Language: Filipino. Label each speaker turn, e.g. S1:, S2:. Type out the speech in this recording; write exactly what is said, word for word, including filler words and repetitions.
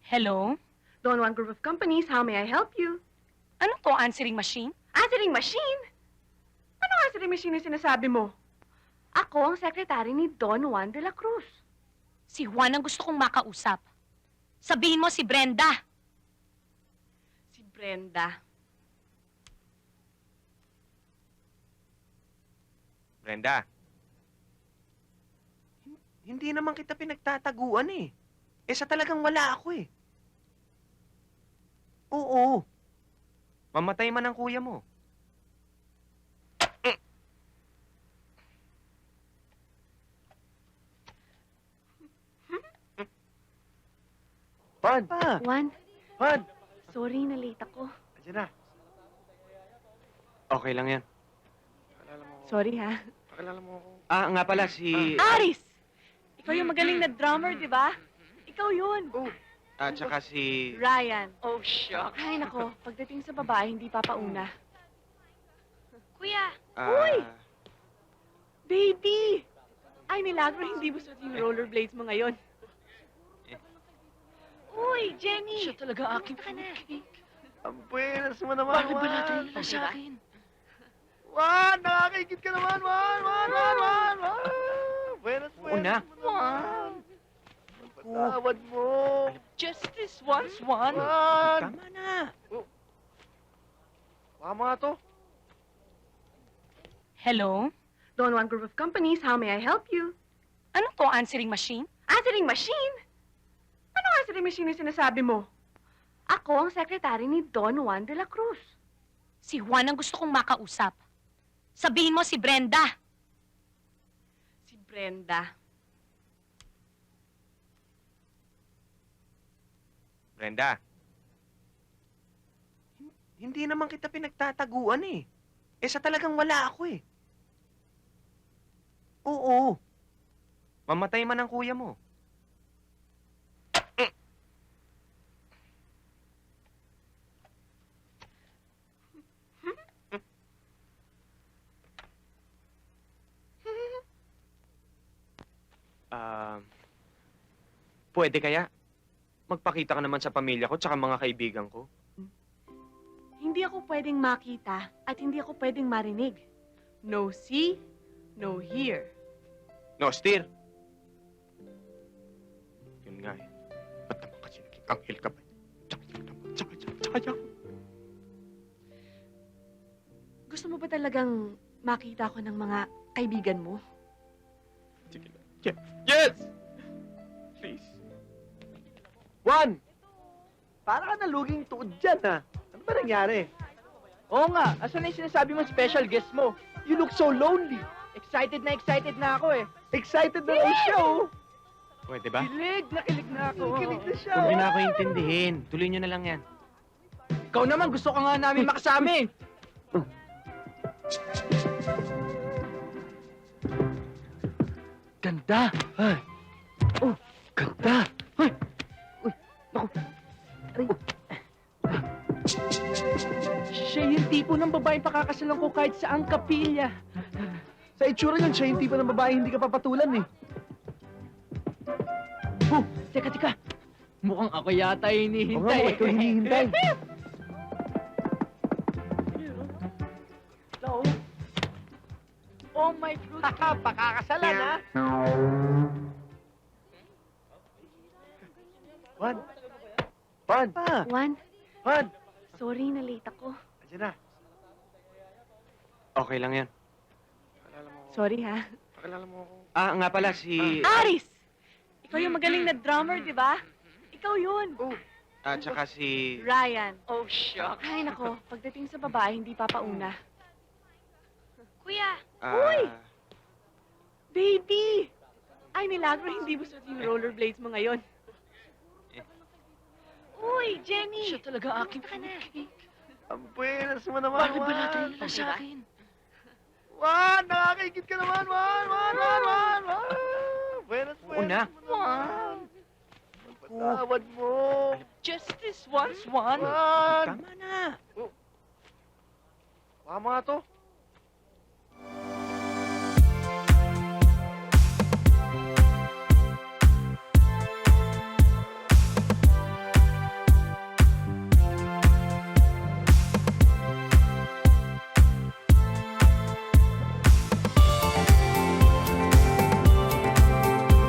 S1: Hello?
S2: Don Juan Group of Companies, how may I help you?
S1: Ano to, answering machine?
S2: Answering machine? Ano answering machine yung sinasabi mo? Ako ang sekretary ni Don Juan de la Cruz.
S1: Si Juan ang gusto kong makausap. Sabihin mo si Brenda.
S2: Si Brenda.
S3: Brenda. hin- Hindi naman kita pinagtataguan eh. Eh sa talagang wala ako eh. Oo. Mamatay man ang kuya mo. Pan! Pa!
S2: Juan,
S3: Pan!
S2: sorry na late ako.
S3: Andiyan na. Okay lang yan.
S2: Sorry ha.
S3: Pakilala mo ako. Ah, nga pala si...
S2: Aris! Ikaw yung magaling na drummer, di ba? Ikaw yun.
S3: Oh. At saka si...
S2: Ryan.
S1: Oh, shucks.
S2: Ay nako, pagdating sa babae, hindi papauna.
S1: Kuya!
S3: ah,
S2: Uy! Baby! Ay, milagro, hindi mo suot yung rollerblades mo ngayon. Uy, Jenny!
S1: Siya talaga aking
S2: Ka na.
S1: fruitcake.
S3: Ang buenas mo naman,
S1: Bakit ba natin
S3: Juan?
S1: ilan sa akin?
S3: Juan! Nakakaigit ka naman, Juan! Juan! Juan! Juan! Juan! Buenas, buenas
S1: Oo na.
S3: mo naman. Patawad mo.
S1: Justice once one.
S3: Juan!
S1: Tama na.
S3: Tama nga to.
S1: Hello?
S2: Don Juan Group of Companies, how may I help you?
S1: Ano to, answering machine?
S2: Answering machine? Ano answering machine yung sinasabi mo? Ako ang sekretary ni Don Juan de la Cruz.
S1: Si Juan ang gusto kong makausap. Sabihin mo si Brenda.
S2: Si Brenda.
S3: Brenda. hin- Hindi naman kita pinagtataguan eh. Eh sa talagang wala ako eh. Oo. Mamatay man ang kuya mo. Ah, pwede kaya? Magpakita ka naman sa pamilya ko tsaka mga kaibigan ko.
S2: Hindi ako pwedeng makita at hindi ako pwedeng marinig. No see, no hear.
S3: No, steer. Yun nga eh. Ba't naman kasi naging anghel ka ba? Tsaka, tsaka, tsaka, tsaka, tsaka, tsaka.
S2: Gusto mo ba talagang makita ko ng mga kaibigan mo?
S3: Sige na. Yes! Yes! Please. Juan! Para ka naluging tuod dyan, ha? Ano ba nangyari?
S4: Oo nga, asan na yung sinasabi mong special guest mo?
S3: You look so lonely.
S4: Excited na excited na ako eh.
S3: Excited na raw siya, oh. Pwede ba?
S4: Kilig na kilig na ako.
S3: Kilig na siya,
S1: oh.
S3: Huwag niyo na ako intindihin. Tuloy niyo na lang yan.
S4: Ikaw naman, gusto ka nga namin makasama eh.
S3: Ganda! Ay! Oh, ganda! Ay!
S4: Uy, naku. Aray. Siya yung tipo ng babaeng pakakasalan ko kahit saang kapilya.
S3: Sa itsura yun, siya yung tipo ng babae hindi ka papatulan, eh.
S4: Oh, teka, teka. Mukhang ako yata yung
S3: Oo nga,
S4: hinihintay.
S3: bakit ko hinihintay?
S4: Hello? Oh my fruit. Pakakasalan ha?
S3: Juan! Juan! Pa!
S2: Juan,
S3: Juan!
S2: sorry na late ako.
S3: Andiyan na. Okay lang yan.
S2: Sorry ha.
S3: Pakilala mo ako. Ah, nga pala si...
S2: Aris! Ikaw yung magaling na drummer, di ba? Ikaw yun.
S3: Oh. At saka si...
S2: Ryan.
S1: Oh, shucks.
S2: Ay nako, pagdating sa babae, hindi papauna.
S1: Kuya!
S3: ah,
S2: Uy! Baby! Ay, milagro, hindi mo suot yung rollerblades mo ngayon. Uy, Jenny!
S1: Siya talaga aking
S2: Ka na.
S1: fruitcake.
S3: Ang buenas mo naman,
S1: Bakit ba natin
S3: Juan?
S1: ilan sa akin?
S3: Juan! Nakakaigit ka naman, Juan! Juan! Juan! Juan! Juan! Buenas,
S1: Oo
S3: buenas
S1: na.
S3: mo naman. Patawad mo.
S1: Justice once one.
S3: Juan!
S1: Tama na.
S3: Tama nga to.